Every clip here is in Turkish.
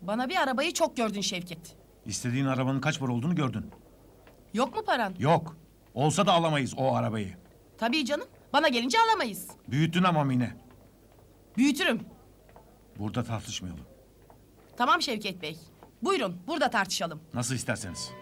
Bana bir arabayı çok gördün Şevket. İstediğin arabanın kaç para olduğunu gördün. Yok mu paran? Yok. Olsa da alamayız o arabayı. Tabii canım. Bana gelince alamayız. Büyüttün ama Mine. Büyütürüm. Burada tartışmayalım. Tamam Şevket Bey. Buyurun burada tartışalım. Nasıl isterseniz.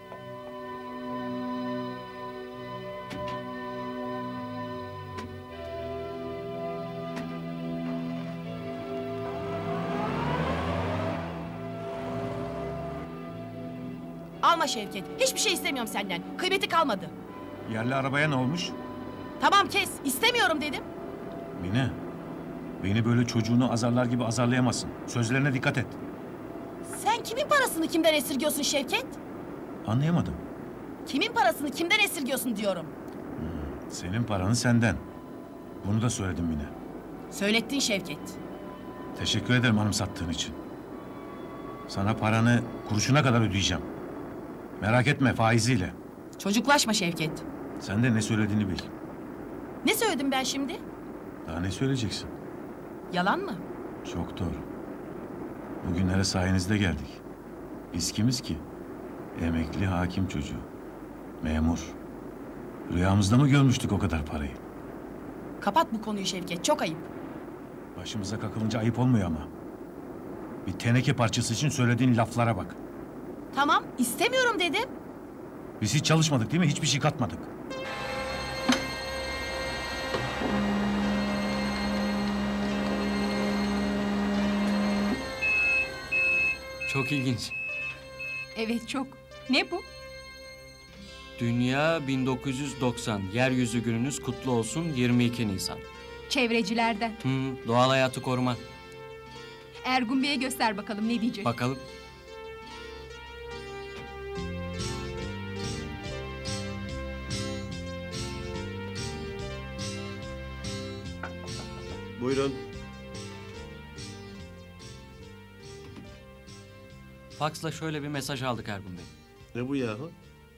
Alma Şevket. Hiçbir şey istemiyorum senden. Kıymeti kalmadı. Yerli arabaya ne olmuş? Tamam kes. İstemiyorum dedim. Mine. Beni böyle çocuğunu azarlar gibi azarlayamazsın. Sözlerine dikkat et. Sen kimin parasını kimden esirgiyorsun Şevket? Anlayamadım. Kimin parasını kimden esirgiyorsun diyorum. Senin paranı senden. Bunu da söyledim Mine. Söylettin Şevket. Teşekkür ederim anımsattığın için. Sana paranı kuruşuna kadar ödeyeceğim. Merak etme faiziyle. Çocuklaşma Şevket. Sen de ne söylediğini bil. Ne söyledim ben şimdi? Daha ne söyleyeceksin? Yalan mı? Çok doğru. Bugünlere sayenizde geldik. Biz kimiz ki? Emekli hakim çocuğu. Memur. Rüyamızda mı görmüştük o kadar parayı? Kapat bu konuyu Şevket. Çok ayıp. Başımıza kakılınca ayıp olmuyor ama. Bir teneke parçası için söylediğin laflara bak. Tamam. istemiyorum dedim. Biz hiç çalışmadık değil mi? Hiçbir şey katmadık. Çok ilginç. Evet çok. Ne bu? Dünya 1990. Yeryüzü gününüz kutlu olsun 22 Nisan. Çevrecilerden. Doğal hayatı koruma. Ergun Bey'e göster bakalım ne diyecek. Bakalım. Buyurun. Faksla şöyle bir mesaj aldık Ergun Bey. Ne bu yahu?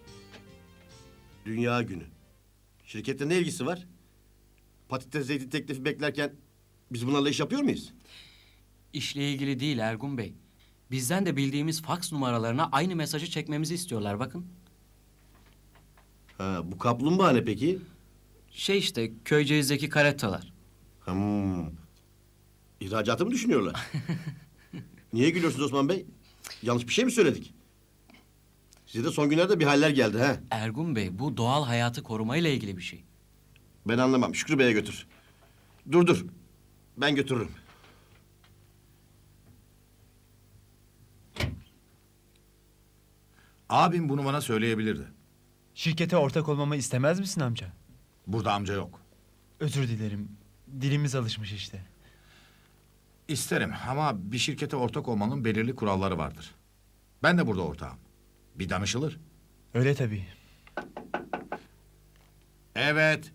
Dünya günü. Şirkette ne ilgisi var? Patates zeytin teklifi beklerken biz bunlarla iş yapıyor muyuz? İşle ilgili değil Ergun Bey. Bizden de bildiğimiz faks numaralarına aynı mesajı çekmemizi istiyorlar bakın. Ha, bu kaplumbağa ne peki? Şey işte Köyceğiz'deki karetalar. İhracatı mı düşünüyorlar? Niye gülüyorsunuz Osman Bey? Yanlış bir şey mi söyledik? Size de son günlerde bir haller geldi ha? Ergun Bey bu doğal hayatı korumayla ilgili bir şey. Ben anlamam. Şükrü Bey'e götür. Dur. Ben götürürüm. Abim bunu bana söyleyebilirdi. Şirkete ortak olmamı istemez misin amca? Burada amca yok. Özür dilerim. Dilimiz alışmış işte. İsterim ama bir şirkete ortak olmanın belirli kuralları vardır. Ben de burada ortağım. Bir danışılır. Öyle tabii. Evet.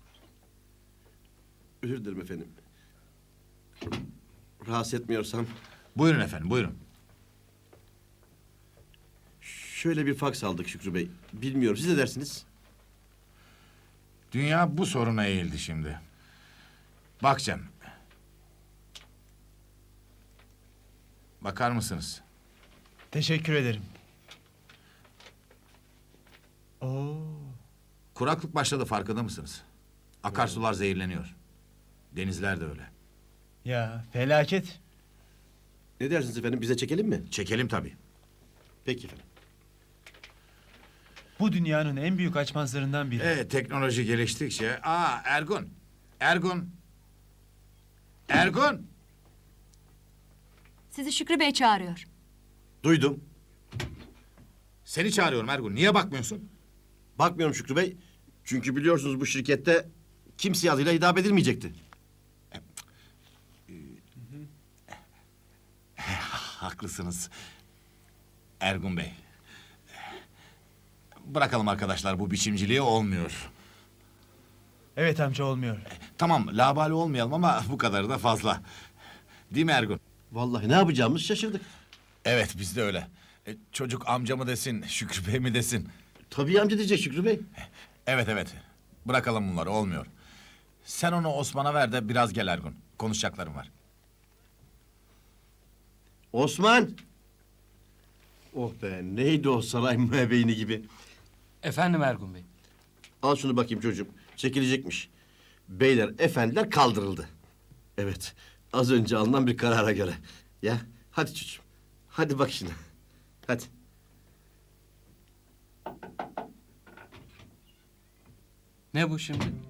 Özür dilerim efendim. Rahatsız etmiyorsam. Buyurun efendim, buyurun. Şöyle bir faks aldık Şükrü Bey. Bilmiyorum siz ne dersiniz? Dünya bu soruna eğildi şimdi. Bak Cem. Bakar mısınız? Teşekkür ederim. Oo. Kuraklık başladı farkında mısınız? Akarsular zehirleniyor. Denizler de öyle. Ya felaket. Ne dersiniz efendim? Bize çekelim mi? Çekelim tabii. Peki efendim. Bu dünyanın en büyük açmazlarından biri. Teknoloji geliştikçe... Ergun! Ergun! Ergun! Sizi Şükrü Bey çağırıyor. Duydum. Seni çağırıyorum Ergun. Niye bakmıyorsun? Bakmıyorum Şükrü Bey. Çünkü biliyorsunuz bu şirkette kimseye adıyla hitap edilmeyecekti. Haklısınız. Ergun Bey. Bırakalım arkadaşlar bu biçimciliği olmuyor. Evet amca olmuyor. Tamam labali olmayalım ama bu kadarı da fazla. Değil mi Ergun? Vallahi ne yapacağımızı şaşırdık. Evet biz de öyle. Çocuk amca mı desin, Şükrü Bey mi desin? Tabii amca diyecek Şükrü Bey. Evet. Bırakalım bunları olmuyor. Sen onu Osman'a ver de biraz gel Ergun. Konuşacaklarım var. Osman! Oh be, neydi o saray müebbeyni gibi. Efendim Ergun Bey. Al şunu bakayım çocuğum. Çekilecekmiş. Beyler, efendiler kaldırıldı. Evet, az önce alınan bir karara göre. Ya, hadi çocuğum. Hadi bak şimdi. Hadi. Ne bu şimdi?